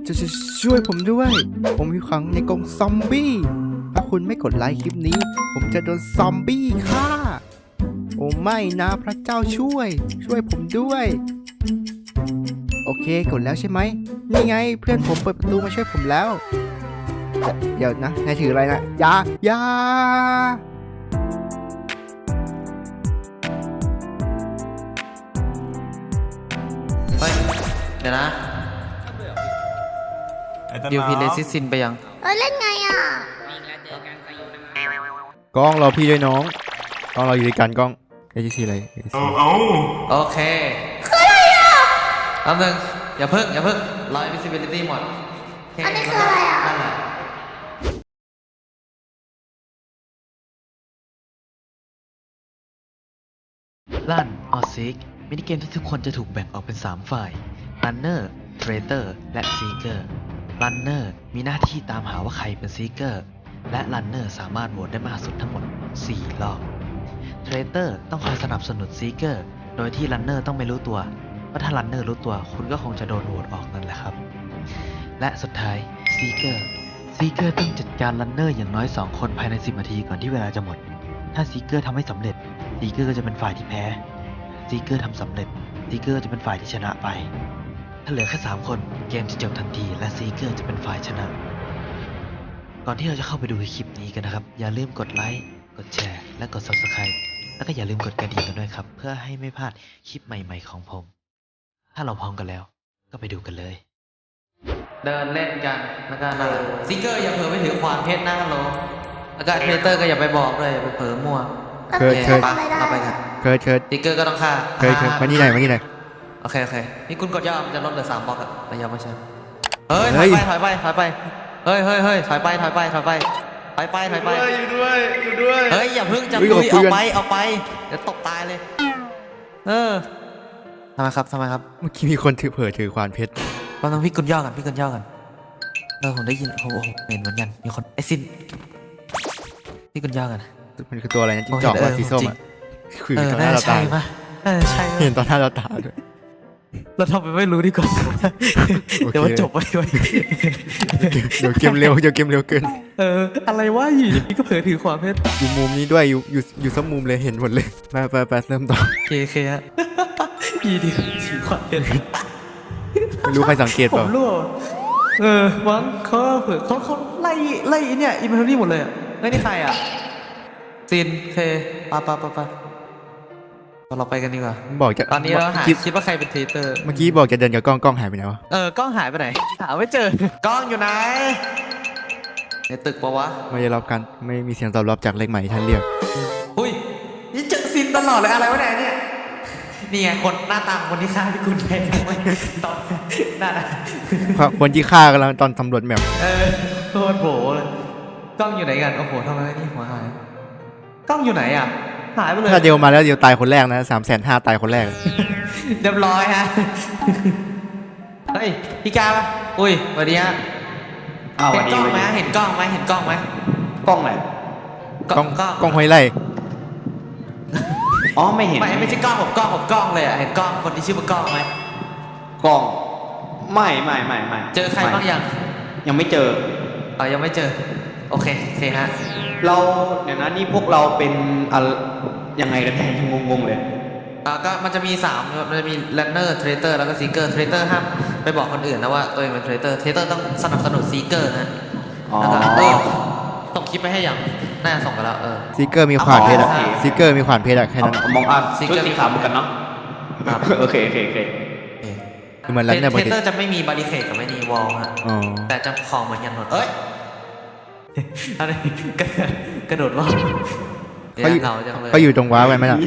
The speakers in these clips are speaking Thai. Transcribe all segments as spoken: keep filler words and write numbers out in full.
จะช่วยผมด้วยผมอยู่ขังในกรงซอมบี้ถ้าคุณไม่กดไลค์คลิปนี้ผมจะโดนซอมบี้ฆ่าโอ้ไม่นะพระเจ้าช่วยช่วยผมด้วยโอเคกดแล้วใช่ไหมนี่ไงเพื่อนผมเปิดประตูมาช่วยผมแล้วเดี๋ยวนะนายถืออะไรนะยายาเฮ้ยเดี๋ยวนะดิวพีเลซิซินไปยังเออเล่นไงอ่ะกล้องรอพี่ด้วยน้องกล้องเราอยู่ด้วยกันกล้องเอจีซีอะไรเอาเอาโอเคคืออะไรอ่ะแป๊บนึงอย่าเพิ่งอย่าเพิ่งรอ invisibility หมดอันนี้คืออะไรอ่ะนั่นแหละลั่นออซิกมินิเกมที่ทุกคนจะถูกแบ่งออกเป็นสามฝ่าย Runner Traitor และ Seeker Runner มีหน้าที่ตามหาว่าใครเป็น Seeker และ Runner สามารถโหวตได้มากสุดทั้งหมดสี่รอบ Traitor ต้องคอยสนับสนุน Seeker โดยที่ Runner ต้องไม่รู้ตัวว่าถ้า Runner รู้ตัวคุณก็คงจะโดนโหวตออกนั่นแหละครับและสุดท้าย Seeker Seeker ต้องจัดการ Runner อย่างน้อยสองคนภายในสิบนาทีก่อนที่เวลาจะหมดถ้า Seeker ทำไม่สำเร็จ Seeker ก็จะเป็นฝ่ายที่แพ้ Seeker ทำสำเร็จ Seeker จะเป็นฝ่ายที่ชนะไปถ้าเหลือแค่สามคนเกมจะจบทันทีและ Seeker จะเป็นฝ่ายชนะก่อนที่เราจะเข้าไปดูคลิปนี้กันนะครับอย่าลืมกดไลค์กดแชร์และกด ซับสไครบ์ แล้วก็อย่าลืมกดกระดิ่งกันด้วยครับเพื่อให้ไม่พลาดคลิปใหม่ๆของผมถ้าเราพร้อมกันแล้วก็ไปดูกันเลยเดินเล่นกันแล้วก็นั่นซิกเกอร์อย่าเผลอไปถือขวานเพชรนะฮัลโหลแล้วก็เทรเตอร์ก็อย่าไปบอกเลยอย่าไปเผลอมั่วเคยเคยปะเอาไปกันเคยเคยซิกเกอร์ก็ต้องฆ่าเคยเคยมานี่ไหนมานี่ไหนโอเคโอเคนี่คุณกดย่อมันจะลดเหลือสามบล็อกอะแต่ยังไม่ใช่เฮ้ยถอยไปถอยไปถอยไปเฮ้ยเฮ้ยเฮ้ยถอยไปถอยไปถอยไปถอยไปถอยไปอยู่ด้วยอยู่ด้วยเฮ้ยอย่าเพิ่งจะคุยเอาไปเอาไปเดี๋ยวตกตายเลยเออทำไมครับทำไมครับเมื่อกี้มีคนถือเผลอถือควานเพชรตอนนั้นพี่กุญย่อกันพี่กุญย่อกันเออผมได้ยินโอ้โหเห็นเหมือนกันมีคนไอซินพี่กุญย่อกันมันคือตัวอะไรนะจิ้งจอกว่าสีส้มอ่ะคือเออตอนหน้าน่าเราใช่ตาปะน่าใช่ปะเห็นตอนหน้าเราตาด้วยเราทำไปไม่รู้ดีกว่าเดี๋ยวมันจบไปไว้เดี๋ยวเกมเร็วเดี๋ยวเกมเร็วเกินเอออะไรวะอยู่ดีก็เผลอถือขวานเพชรอยู่มุมนี้ด้วยอยู่อยู่อยู่ซ้ำมุมเลยเห็นหมดเลยไปไปไปเริ่มต่อเคเคฮะยีดีถือขวานเพชรไม่รู้ใครสังเกตผเปล่ามรู้เออวังเขาเผลอเขาเขาไล่ไล่เนี่ยอินเวนทอรี่หมดเลยอ่ะไล่นี่ใครอ่ะซินเคปะปะปะปะเราไปกันดีกว่าบอกจะตอนนี้เราหาคิดคิดว่าใครเป็นเทเตอร์เมื่อกี้บอกจะเดินกับกล้องกล้องหายไปไหนวะเออกล้องหายไปไหนหาไม่เจอกล้องอยู่ไหนในตึกปะวะไม่ได้รับการไม่มีเสียงตอบรับจากเลขใหม่ที่ท่านเรียกอุ้ยนี่เจอซินตลอดเลยอะไรวะเนี่ยเนี่ยนี่ไงคนหน้าตาคนที่ฆ่าพี่กุลแพงเลยตอนนั่นนะคนที่ฆ่ากำลังตอนสำรวจแมปเออโคตรโผล่เลยกล้องอยู่ไหนกันโอ้โหทำไมนี่หัวหายกล้องอยู่ไหนอ่ะหายไปเลยถ้าเดียวมาแล้วเดียวตายคนแรกนะสามแสนห้าตายคนแรกเรียบร้อยฮะเฮ้ยพี่กาปะอุ้ยสวัสดีฮะอ้าวเห็นกล้องไหมสวัสดีเห็นกล้องไหมเห็นกล้องไหมกล้องไหนกล้องกล้องห้วยไร่อ๋อไม่เห็นไม่ไม่ใช่กล้องผมกล้องผมกล้องเลยอ่ะเห็นกล้องคนที่ชื่อว่ากล้องไหมกล้องไม่ไม่ไม่ไม่เจอใครบ้างยังยังไม่เจอเออยังไม่เจอโอเคโอเคฮะเราเดี๋ยวนะนี่พวกเราเป็นอะไรยังไงกันแน่ยังงงๆเลยอ่าก็มันจะมีสามมันจะมี runner traitor แล้วก็ seeker traitor ห้ามไปบอกคนอื่นนะว่าตัวเองเป็น traitor traitor ต้องสนับสนุน seeker นะอ๋อแล้วก็เออส่งคลิปไปให้ยังน่าส่งไปแล้วเออซิกเกอร์มีขวานเพชรอะอ๋อซิกเกอร์มีขวานเพชรอะแค่นั้นเอามองอ่ะซิกชุดเกอร์สีขาวเหมือนกันเนาะครับโอเคโอเคโอเคคือมันแล้วเนี่ยปกติ traitor จะไม่มี barricade กับไม่มี wall ฮะอ๋อแต่จะของเหมือนกันหมดเอ้ยอะไรกระกระโดดว่าวเขาอยู่เหงาจังเลยเขาอยู่ตรงว้าไว้ไหมล่ะ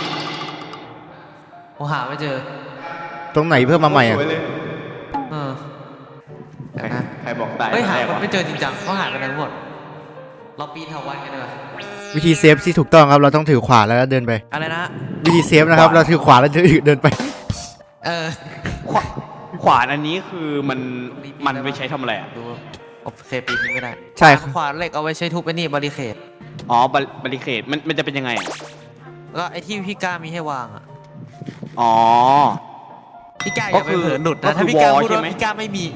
ผมหาไม่เจอตรงไหนเพิ่มมาใหม่อะโอ้ยเลยเออใครเดี๋ยวนะใครบอกตายเฮ้ยหาแรกคนวะไม่เจอจริงจังเขาหายไปไหนหมดเราปีนเถาวัลย์กันเลยวิธีเซฟที่ถูกต้องครับเราต้องถือขวานแล้วก็เดินไปอะไรนะวิธีเซฟนะครับเราถือขวานแล้วเดินไปเออขวาขวานอันนี้คือมันมันไปใช้ทำอะไรอ่ะดูโอเคปีนไม่ได้ใช่ครับขวานเหล็กเอาไว้ใช้ทุบไอ้นี่บาริเคดอ๋อบาบาริเคดมันมันจะเป็นยังไงอะแล้วไอ้ที่พี่ก้ามีให้วางอ่ะอ๋อพี่ก้าอย่าไปเผลอหลุดก็นะคือถ้าพี่ก้า wall พูดใช่ว่าไหมพี่ก้าไม่มี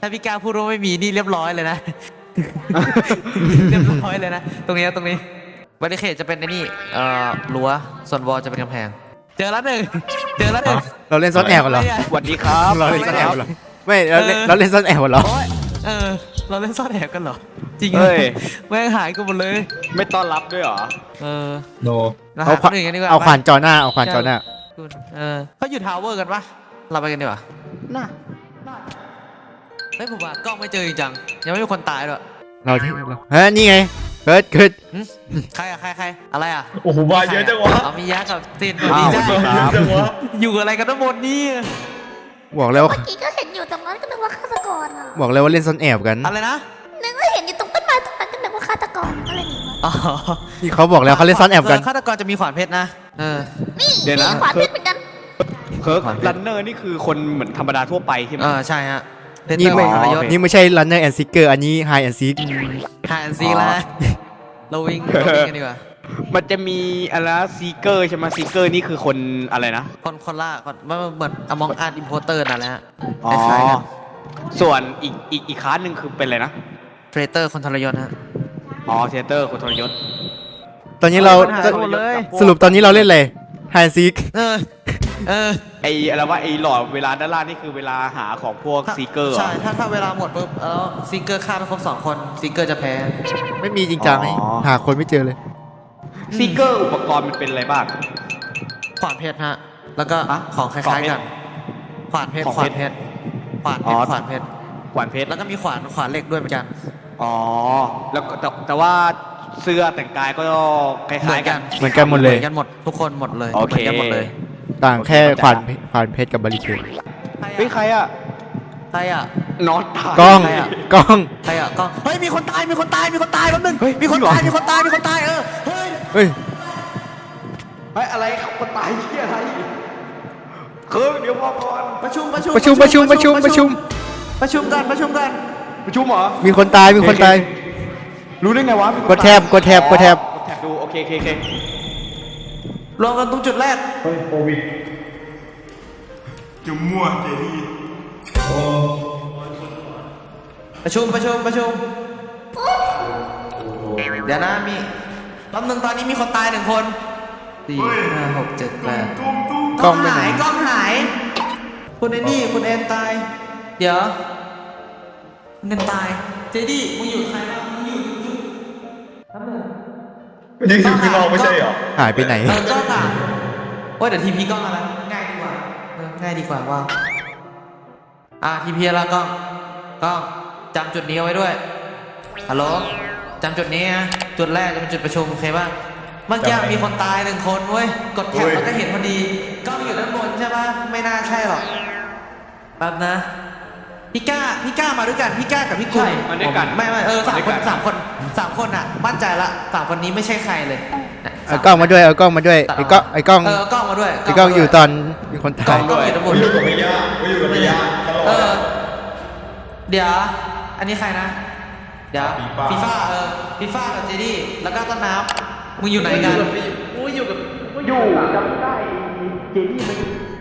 ถ้าพี่ก้าพูดว่าไม่มีนี่เรียบร้อยเลยนะ เรียบร้อยเลยนะ ตรงนี้ตรงนี้บริเคดจะเป็นไอ้นี่เอ่อรั้วส่วนวอลจะเป็นกำแพง เจอแล้วหนึ่งเจอแล้วหนึ่งเราเล่นซ่อนแอบกันเหรอสวัสดีครับเราเล่นซ่อนแอบกันเหรอไม่เราเล่นเราเล่นซ่อนแอบกันเหรอโอ๊ยเออ เราเล่นซ่อนแอบกันเหรอ จริงเหรอเฮ้ยแม่งหายกันหมดเลยไม่ต้อนรับด้วยเหรอเออโนเราเอาหาขควานนอื่นกันดีกว่าเอาขวานไปจอหน้าเอาขวานจอหน้าคุณเออเขาอยู่ทาวเวอร์กันปะเราไปกันดีกว่าน่าเฮ้ยผมว่ากล้องไม่เจอจริงจังยังไม่มีคนตายด้วยเราที่เราเฮ้ยนี่ไงเกิดเกิดหึใครอะใครใครอะไรอะโอ้โหมาเยอะจังวะเอามียักษ์กับตินอ้าวดีจ้ามาเยอะจังวะอยู่อะไรกันทั้งหมดนี่บอกแล้วเมื่อกี้ก็เห็นอยู่ตรงนั้นก็นึกว่าฆาตกรอ่ะบอกแล้วว่าเล่นซ่อนแอบกันอะไรนะนึกว่าเห็นอยู่ตรงต้นไม้ตรงนั้นก็นึกว่าฆาตกรก็เลยหนีมาอ๋อที่เขาบอกแล้วเขาเล่นซ่อนแอบกันฆาตกรจะมีขวานเพชรนะเออนี่เดี๋ยวนะมีขวานเพชรเหมือนกันเคิร์กรันเนอร์นี่คือคนเหมือนธรรมดาทั่วไปใช่ไหมเออใช่ฮะเพชรนี่ไม่ทรยศนี่ไม่ใช่ runner and seeker อันนี้ hide and seek หายซีละเราวิ่งเราวิ่งกันดีกว่ามันจะมีอะไรซีเกอร์ใช่ไหมซีเกอร์นี่คือคนอะไรนะคนคนล่าคนว่าเหมือนอมองอาร์ตอินโพเตอร์นั่นแหละฮะอ๋อคล้ายๆกันส่วนอีกอีกอีกค้าหนึ่งคือเป็นอะไรนะเทรเตอร์คนทรยศฮะอ๋อเทเตอร์คนทรยศตอนนี้เราหายหมดเลยสรุปตอนนี้เราเล่นอะไร hide and seek เออเออไออะไรว่าไอหลอดเวลาด้านล่างนี่คือเวลาหาของพวกซีเกอร์ใช่ถ้าถ้าเวลาหมดปุ๊บแล้วซิงเกอร์ฆ่าไปครบสองคนซิงเกอร์จะแพ้ไม่มีจริงจังไงหาคนไม่เจอเลยซีเกอร์อุปกรณ์มันเป็นอะไรบ้างขวานเพชรฮะ แล้วก็ฮะของคขวาล้าน ยเพชรๆกัน ขวานเพชรของขวาเพนชรเพชร ขวานเพอ๋ชอร ขวานเพชรขวานเพชรแล้วก็มีขวาน ขวานเหล็กด้วยเหมือนกันอ๋อ แล้วก็แต่แต่ว่าเสื้อแต่งกายก็คล้ายๆกันเหมือนกันหมดเลยเหมือนกันหมด ทุกคนหมดเลยโอเคหมือนกันหมดเลยต่างแค่ขวานขวานเพชรกับบาริเคดเฮ้ยใครอ่ะใครอ่ะนอนตายกล้องใครอะกล้องใครอ่ะกล้องเฮ้ย มีคนตาย มีคนตาย มีคนตายแป๊บนึงเฮ้ยมีคนจริงเหรอตาย มีคนตาย มีคนตาย เออ เฮ้ยเฮ้ยเฮ้ยอะไรคนตายที่อะไรเคิร์กเดี๋ยวพอก่อนประชุม ประชุมประชุมประชุมประชุมประชุมประชุมกัน ประชุมกันประชุมเหรอมีคนตายมีคนตายรู้ได้ไงวะมีคนกดแท็บตายกดแท็บอ๋อกดแท็บกดแท็บดูโอเคโอเคโอเครวมกันตรงจุดแรกเฮ้ยโควิดจุ่มมั่วเจดีย์ประชุม ประชุม ประชุม เดี๋ยวนะมีแป๊บนึงตอนนี้มีคนตายหนึ่งคนสี่ห้าหกเจ็ดแปดตุ้มตุ้มกล้องหายกล้องหาย คุณไอ้นี่คุณแอนตาย เดี๋ยวคุณแอนตาย เจดี้มึงอยู่ใครบ้างมึงอยู่อยู่แป๊บนึงมันยังอยู่ข้างนอกไม่ใช่เหรอหายไปไหนเออกล้องอ่ะโอ้ยเดี๋ยวทีพีกล้องอะไรง่ายดีกว่าเออง่ายดีกว่าว่าอ่ะทีพีแล้วกล้องกล้องจำจุดนี้เอาไว้ด้วยฮัลโหลจำจุดนี้นะจุดแรกจะเป็นจุดประชุมโอเคป่ะเมื่อกี้จำไว้มีคนตายหนึ่งคนเว้ยกดแท็บเฮ้ยแล้วก็เห็นพอดีกล้องอยู่ด้านบนใช่ป่ะไม่น่าใช่หรอกแป๊บนะพี่ก้าพี่ก้ามาด้วยกันพี่ก้ากับพี่กุ้งใช่มาด้วยกันไม่ไม่เออสามมาด้วยคกัน นสามคนสามคนอ่ะมั่นใจละสามคนนี้ไม่ใช่ใครเลยนะเอากล้องมาด้วยเอากล้องมาด้วยไอ้กล้องไอ้กล้องเออเอากล้องมาด้วยไอ้กล้องอยู่ตอนมีคนกล้ตาอย งกล้องอยู่ด้านบนอยู่กับพี่ย่าอยู่กับพี่ย่าตลอดเออเดี๋ยว อันนี้ใครนะ เดี๋ยวฟีฟ่าเออฟีฟ่ากับเจดี้แล้วก็ต้นน้ำมึงอยู่ไหนกันอยู่จำได้เจนี่มัน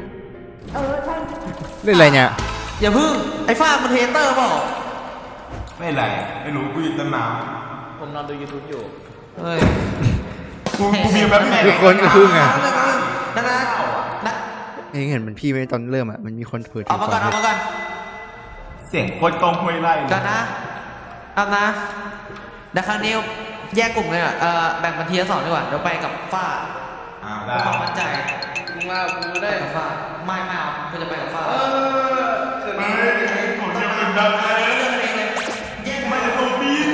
เล่นอะไรเนี่ยอย่าพึ่งไอ้ฟ้ามันเทเตอร์เปล่าไม่ไรไม่รู้กูอยู่ต้นน้ผมนอนดู YouTube อยู่เฮ้ยำกูกูมีแบบแม่ทุกคนก็พึ่งอ่ะนั่นนะนะเองเห็นมันพี่ไหมตอนเริ่มอ่ะมันมีคนเผยเอามาก่อนเอามาก่อนเสียงโคตรตรงห้วยไร่เลก่อย นนะเอานะเดี๋ยวครั้งนี้แยกกลุ่มเลยอ่ะเออแบ่งเป็นทีละสองดีกว่าเดี๋ยวไปกับฟ้าอ่าเพื่ได้อความมั่นใจมึงมากูได้กับฟ้าไม่ไม่เอากูจะไปกับฟ้าไม่ผมจะเป็นดังไงไม่จะต้องปีน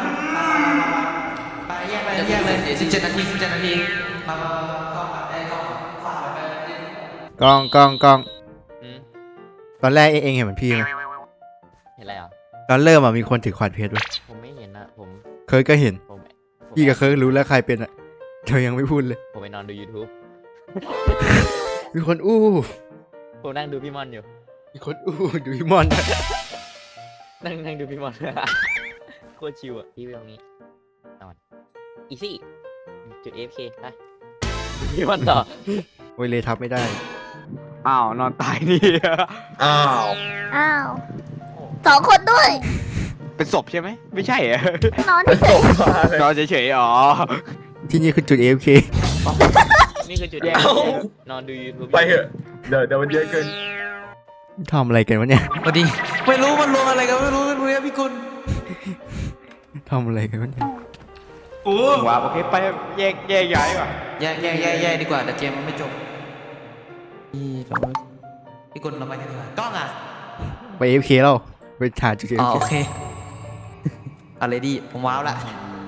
ไปแยกไปแยกเลยสิบเจ็ดนาทีสิบเจ็ดนาทีมามามาก็มาไอ้ก็ฝากไปกล้องกล้องกล้องอืมตอนแรกเองเองเห็นเหมือนพี่ไหมเห็นอะไรอ่ะตอนเริ่มอ่ะมีคนถือขวานเพชรไว้ผมไม่เห็นนะผมเคยก็เห็นผมผมพี่กับเคยรู้แล้วใครเป็นอ่ะเธอยังไม่พูดเลยผมไปนอนดู YouTube มีคนอู้ผมนั่งดูพี่มอนอยู่มีคนอู้ดูพี่มอนนั่งนั่งดูพี่มอน โคตรชิวอ่ะพี่ไปตรงนี้นอนอีซี่จุด เอ เอฟ เค ไปพี่มอนต่อโอ้ยเลยทับไม่ได้อ้าวนอนตายนี่อ้าวอ้าวโสองคนด้วยเป็นศพใช่ไหมไม่ใช่เหรอนอนเฉส่ยงมาเลยนอนเฉยๆอ๋อที่นี่คือจุด เอ เอฟ เคนี่คือจุดแยกเอ้านอนดูยูทูบไปเถอะเดี๋ยวเดี๋ยวมันเยอะเกินทำอะไรกันวะเนี่ยพอดี ไม่รู้มันรวมอะไรกันไม่รู้ไม่รู้เนี่ยพี่กุลทำอะไรกันวะเนี่ยโอ้ว้าโอเคไปแยกแยกย้ายว่ะแย่แย่แย่แย่ดีกว่าแต่เกมมันไม่จบพี่เราพี่กุลเราไปกันดีกว่ากล้องอ่ะไป เอ เอฟ เค แล้วไปหาจุด เออ๋อเอฟโอเคเคเอาเลยดิผมว้าวละ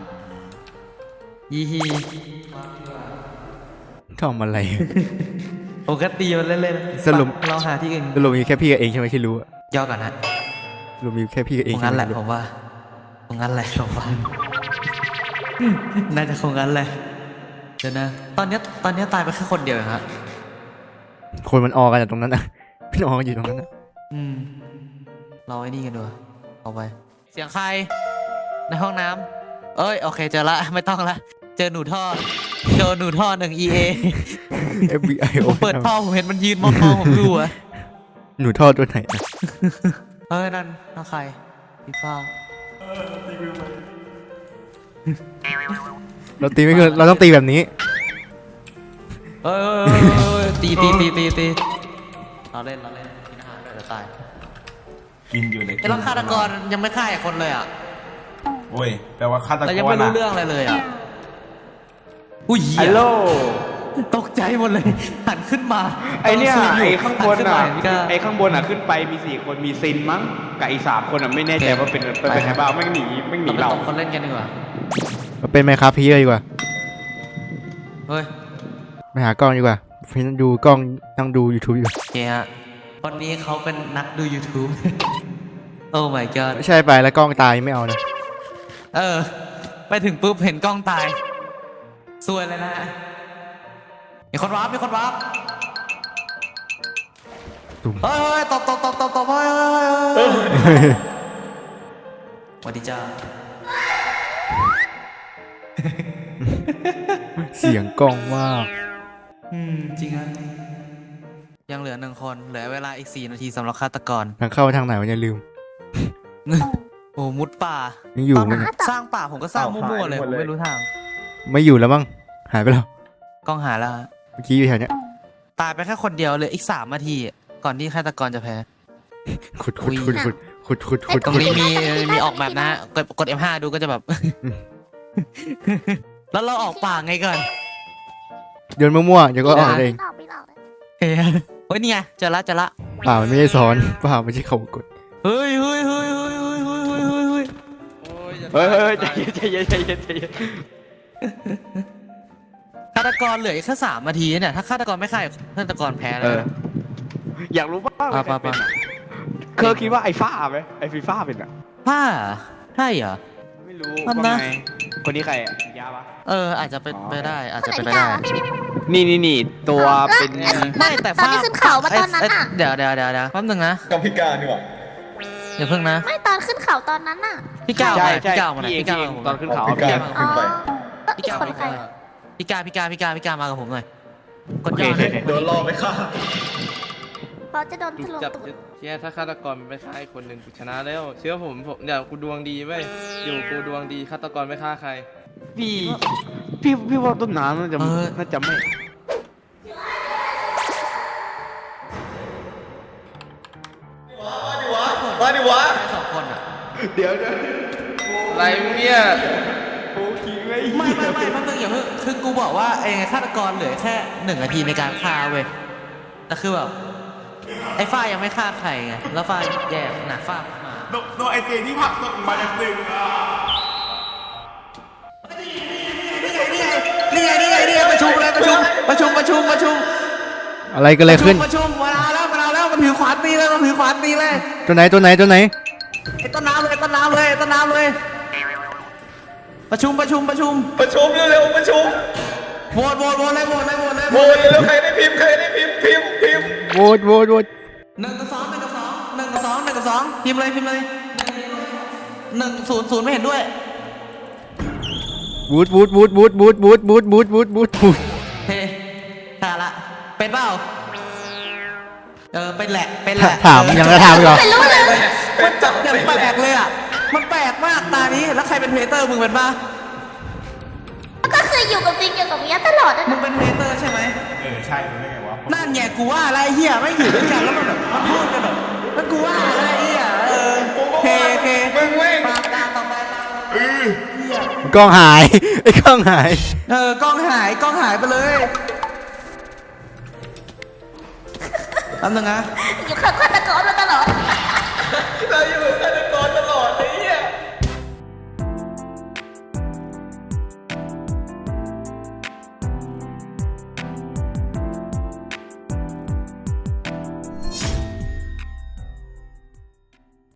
ยี่ฮีทำอะไรผมก็ตีมันเล่นๆสรุปไปเราหาที่อื่นสรุปมีแค่พี่กับเองใช่ไหมที่รู้อะย่อก่อนนะสรุปมีแค่พี่กับเอคงงใช่งั้นไหแหมละผมว่าคงงั้นแหละผมว่าน่าจะคงงั้นแหละเดี๋ยวนะ ตอนเนี้ยตอนเนี้ยตายไปแค่คนเดียวเองฮะคนมันออกันจากตรงนั้นนะพี่ออกันอยู่ตรงนั้นนะอืมเราไอ้นี่กันดูเอาไป เสียงใคร ในห้องน้ำเอ้ย โอเค เจอละ ไม่ต้องละ เจอหนูท่อ เจอหนูท่อหนึ่ง อี เอเอฟบีไอผมเปิดท่อผมเห็นมันยืนมองมองผมดูอะหนูทอดตัวไหนอะเอ้ย นั่นนั่นใครพี่ฟ้าเราตีไม่เกินเราต้องตีแบบนี้เอ้ยเอ้ยเอ้ยเอ้ยตีตีตีตีตีเราเล่นเราเล่นกินอาหารด้วยเดี๋ยวตายกินอยู่เลยไอ้เราฆาตกรยังไม่ฆ่าอีกคนเลยอ่ะโอ้ยแปลว่าฆาตกรแต่ยังไม่รู้น่ะเรื่องอะไรเลยอ่ะอุ้ยเหี้ฮัยลโหลตกใจหมดเลยหันขึ้นมาไอเนี่ยตซูมไอข้างบนหัขึ้อ่ะมาเห็พี่ก้าไอข้างบนอ่ะขึ้นไปมีสี่คนมีซินมั้งกับอีกสามคนอ่ะไม่แน่ใจว่าเป็นเป็นเป็นใครบ้างไม่หนีไม่หนีเราเราไปตบคนเล่นกันดีกว่าเราเป็นไหมครับพี่เลยดีกว่าเฮ้ยไปหากล้องดีกว่าพี่นั่งดูกล้องนั่งดู YouTube อยู่โอเคฮะวันนี้เขาเป็นนักดู YouTube โอ้ my god ไม่ใช่ไปแล้วกล้องตายไม่เอานะเออ ไปถึงปุ๊บเห็นกล้องตายซวยเลยนะมีคนวาร์ปมีคนวาร์ปตุ่มเฮ้ยเฮ้ยตบตบตบตบตบเฮ้ยเฮ้ยเฮ้ยเฮ้ยสวัสดีจ้าเสียงกล้องว่าอืมจริงฮะยังเหลือหนึ่งคนเหลือเวลาอีกสี่นาทีสำหรับฆาตกรทางเข้าทางไหนวะอย่าลืมโอ้มุดป่ายังอยู่ตอนไหมนั้นเนี่ยสร้างป่าผมก็สร้างมั่วๆเลยผมไม่รู้ทางไม่อยู่แล้วมั้งหายไปแล้วกล้องหาแล้วฮะเมื่อกี้อยู่แถวเนี้ยตายไปแค่คนเดียวเลยอีกสามนาทีก่อนที่ฆาตกรจะแพ้ขุดขุดขุดขุดขุดขุดขุดตรงขุดนี้มีมีออกแบบนะฮะกดกด เอฟ ห้า ดูก็จะแบบ แล้วเราออกป่าไงก่อนโยนมั่วๆเดี๋ยวก็ออกเองไม่หลอกไม่หลอกเลยเฮ้ยเฮ้ยนี่ไงเจอละเจอละเปล่ามันไม่ได้ซ้อนเปล่าไม่ใช่เขากดเฮ้ยเฮ้ยเฮ้ยเฮ้ยเฮ้ยเฮ้ยเฮ้ยเฮ้ยเฮ้ยเฮ้ยเฮ้ยใจเย็นใจเย็นใจเย็นใจเย็นฆาตกรเหลืออีกแค่สามนาทีเนี่ยถ้าฆาตกรไม่ฆ่าฆาตกรแพ้เลยนะอยากรู้บ้างอ่ะใครเป็นป่ะอะเคยคิดว่าไอ้ฟ้าไหมไอ้ฟีฟ้าเป็นอ่ะผ้าใช่เหรอไม่รู้นั่นว่านะไงคนนี้ใครอ่ะยาปะเอออาจจะเป็นไปได้อาจคนจะไหนเป็นไปพี่ได้กาวะนี่นี่นี่ตัวเป็นไม่แต่ตอนฟ้าที่ขึ้นเขามาตอนนั้นเยอะเดี๋ยวเดี๋ยวเดี๋ยวเดี๋ยวแป๊บนึงนะกับพิการดีกว่าอย่าเพิ่งนะไม่ตอนขึ้นเขาตอนนั้นน่ะพี่ก้าวใช่มาใช่พี่ก้าวมาหน่อยพี่พี่เอก้าวงมากับผมตอนขึ้นเขาพิการพี่ขึ้นไปแล้วอีกคนใครพี่ก้าวพี่ก้าวพี่ก้าวพี่ก้าวมากับผมหน่อยกดโอเคยอดโอเคเลยโดนล่อไปฆ่าเราจะโดนหยุทะดลุจับตูดเชี่ยถ้าฆาตกรมันไปฆ่าไอ้คนหนึ่งกูชนะแล้ว เชื่อผมผมเนี่ยกูดวงดีเว้ยอยู่กูดวงดีฆาตกรไม่ฆ่าใครพี่พี่พี่ว่าต้นน้ำน่าจะน่าจะไม่มาดิวะสองคนอ่ะเดี๋ยวเดี๋ยวอะไรเนี่ยโอ้คิงไม่ไม่ไม่ไม่แป๊บนึงอย่าเพิ่งคือกูบอกว่าไอ้ฆาตกรเหลือแค่หนึ่งนาทีในการฆ่าเว้ยแต่คือแบบไอ้ฝ้ายยังไม่ฆ่าใครไงแล้วฝ้ายแย่หนักฝ้ามาโดนโดนไอเจที่ผลักตกมาจากตึกอ่ะนี่ไงนี่ไงนี่ไงประชุมเลยประชุมประชุมประชุมประชุมอะไรก็เลยขึ้นประชุมมาแล้วมาแล้วมันถือขวานตีเลยมันถือขวานตีเลยตัวไหนตัวไหนตัวไหนไอ้ต้นน้ำเลยต้นน้ำเลยต้นน้ำเลย ประชุมประชุมประชุมประชุมเร็วๆประชุมโหวตโหวตโหวตเลยโหวตเลยโหวตเลยโหวตเร็วๆใครได้พิมพ์ใครได้พิมพ์พิมพ์พิมพ์โหวตโหวตโหวตหนึ่งกับสองหนึ่งกับสองหนึ่งกับสองหนึ่งกับสองพิมพ์เลยพิมพ์เลยหนึ่งศูนย์ศูนย์ไม่เห็นด้วยบูทบูทบูทบูทบูทบูทบูทบูทบูทบูทบูทเฮ้ขาละเป็นเปล่าเออเป็นแหละเป็นแหละถามยังจะถามอีกเหรอไม่รู้เลยมันจับอย่างแปลกเลยอ่ะมันแปลกมากตานี้แล้วใครเป็นเพเตอร์มึงเป็นปะก็คืออยู่กับฟิงอยู่กับเมียตลอดนะมึงเป็นเพเตอร์ใช่ไหมเออใช่รู้ได้ไงวะนั่นไงกูว่าอะไรเฮียไม่อยู่ด้วยกันแล้วมันแบบมันพูดกันแบบมันกูว่าอะไรเฮียเออเคเคมึงเว้ยปากตาต่อไปตาเออกล้องหาย ไอ้กล้องหายเออกล้องหายกล้องหายไปเลยแป๊บนึงนะอยู่ข้างฆาตกรมาตลอดเราอยู่กัน